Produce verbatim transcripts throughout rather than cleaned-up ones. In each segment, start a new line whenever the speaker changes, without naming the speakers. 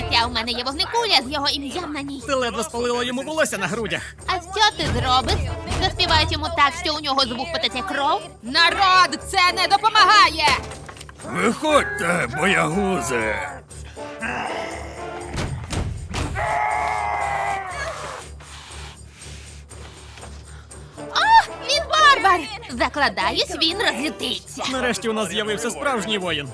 життя. У мене є вогнекуля з його ім'ям на ній.
Ти ледве спалила йому волосся на грудях.
А що ти зробиш? Заспівають йому так, що у нього з вух потече кров? Народ, це не допомагає!
Виходьте, боягузи!
О, він варвар! Закладаюсь, він розлютиться.
Нарешті у нас з'явився справжній воїн.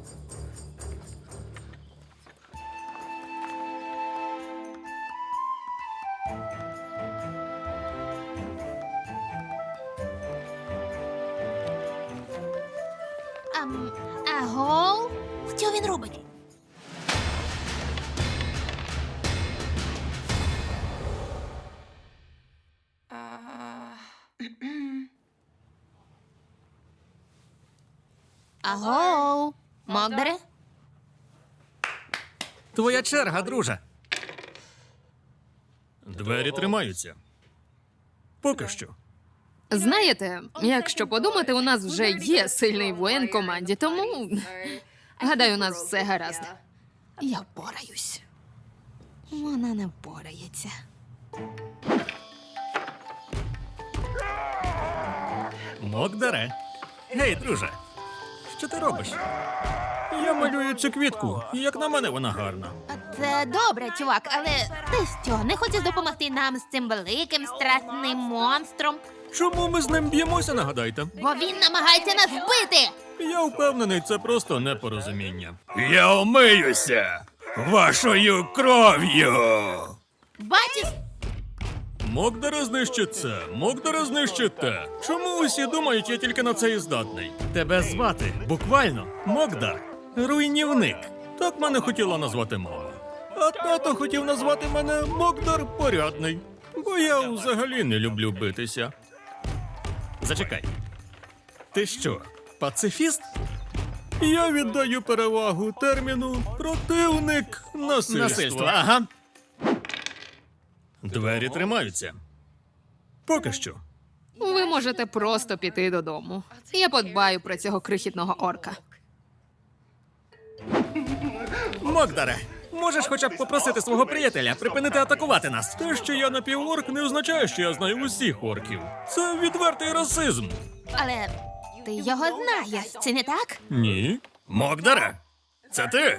Ам, аго? Що він робить? Аго? Мокдере?
Твоя черга, друже. Двері тримаються. Поки що.
Знаєте, якщо подумати, у нас вже є сильний воїн в команді, тому гадаю, у нас все гаразд. Я впораюсь. Вона не впорається.
Мокдере. Гей, друже. Що ти робиш? Я малюю цю квітку, і як на мене вона гарна.
Це добре, чувак, але ти що, не хочеш допомогти нам з цим великим страшним монстром?
Чому ми з ним б'ємося, нагадайте?
Бо він намагається нас вбити!
Я впевнений, це просто непорозуміння. Я омиюся вашою кров'ю!
Бачиш?
Мокдера знищить це, Мокдера знищить те. Чому усі думають, я тільки на це і здатний? Тебе звати, буквально, Мокдар. Руйнівник. Так мене хотіла назвати мама. А тато хотів назвати мене Мокдар Порядний. Бо я взагалі не люблю битися. Зачекай. Ти що, пацифіст? Я віддаю перевагу терміну противник насильства. Насильства, ага. Двері тримаються. Поки що.
Ви можете просто піти додому. Я подбаю про цього крихітного орка.
Мокдаре, можеш хоча б попросити свого приятеля припинити атакувати нас? Те, що я напіворк, не означає, що я знаю усіх орків. Це відвертий расизм.
Але ти його знаєш, це не так?
Ні. Мокдаре, це ти?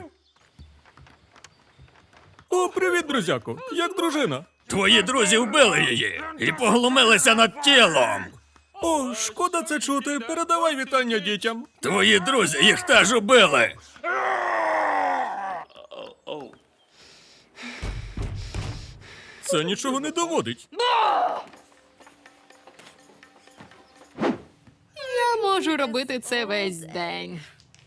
О, привіт, друзяко. Як дружина? Твої друзі вбили її і поглумилися над тілом. О, шкода це чути. Передавай вітання дітям. Твої друзі їх теж убили. Це нічого не доводить.
Я можу робити це весь день.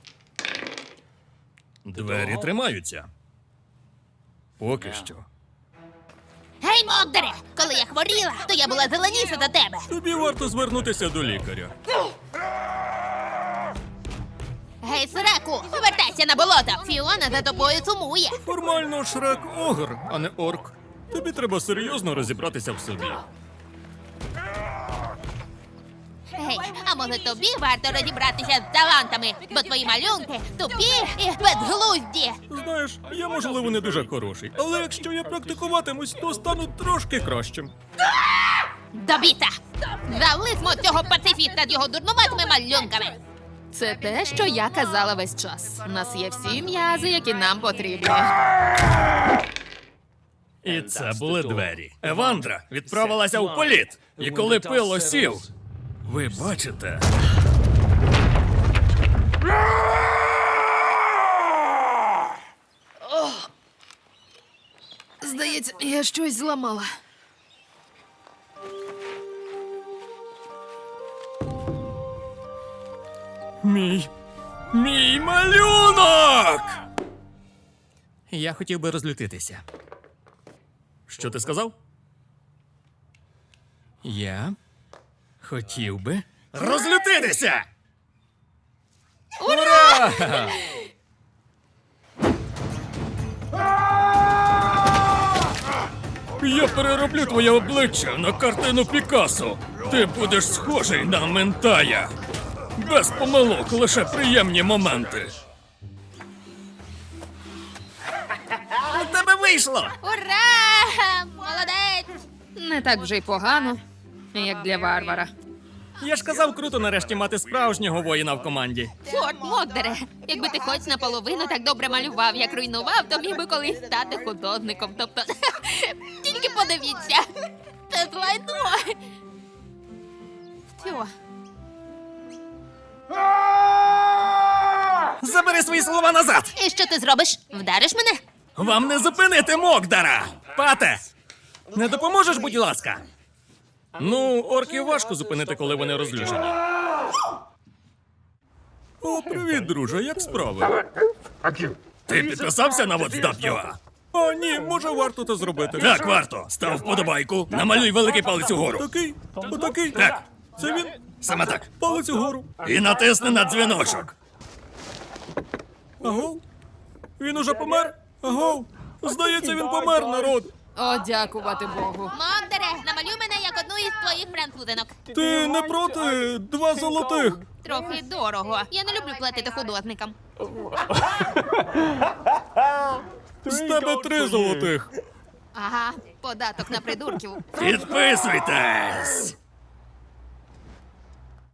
Двері тримаються. Поки що.
Гей, Мокдере! Коли я хворіла, то я була зеленіша за тебе.
Тобі варто звернутися до лікаря.
Гей, Среку, повертайся на болото. Фіона за тобою сумує.
Формально Шрек огр, а не орк. Тобі треба серйозно розібратися в собі.
Гей, а може тобі варто розібратися з талантами, бо твої малюнки тупі і безглузді.
Знаєш, я, можливо, не дуже хороший, але якщо я практикуватимусь, то стану трошки кращим.
Добіта! Залисмо цього пацифіста з його дурнуватими малюнками.
Це те, що я казала весь час. У нас є всі м'язи, які нам потрібні.
І це були двері. Евандра відправилася у політ. І коли пил осів, ви бачите?
Здається, я щось зламала.
Мій... Мій малюнок! Я хотів би розлютитися. Що ти сказав? Я хотів би розлютитися! Ура! Я перероблю твоє обличчя на картину Пікассо. Ти будеш схожий на Ментая. Без помилок, лише приємні моменти. вийшло!
Ура! Молодець!
Не так вже й погано, як для варвара.
Я ж казав, круто нарешті мати справжнього воїна в команді.
Чорт, Мокдере, якби ти хоч наполовину так добре малював, як руйнував, то міг би колись стати художником. Тобто, тільки подивіться. Це лайно. Що?
Забери свої слова назад!
І що ти зробиш? Вдариш мене?
Вам не зупинити Мокдара! Пате! Не допоможеш, будь ласка? Ну, орків важко зупинити, коли вони розлючені. О, привіт, друже, як справи? Ти підписався на WhatsApp? О, ні, може варто це зробити. Так, варто. Став вподобайку. Намалюй великий палець угору. Такий? Отакий? Так. Це він? Саме так. Палець угору. І натисни на дзвіночок. Агов? Він уже помер? Агов? Здається, він помер, народ.
О, дякувати Богу.
Мокдере, намалюй мене як одну із твоїх французинок.
Ти не проти? Два золотих.
Трохи дорого. Я не люблю платити художникам.
З тебе три золотих.
Ага, податок на придурків.
Підписуйтесь.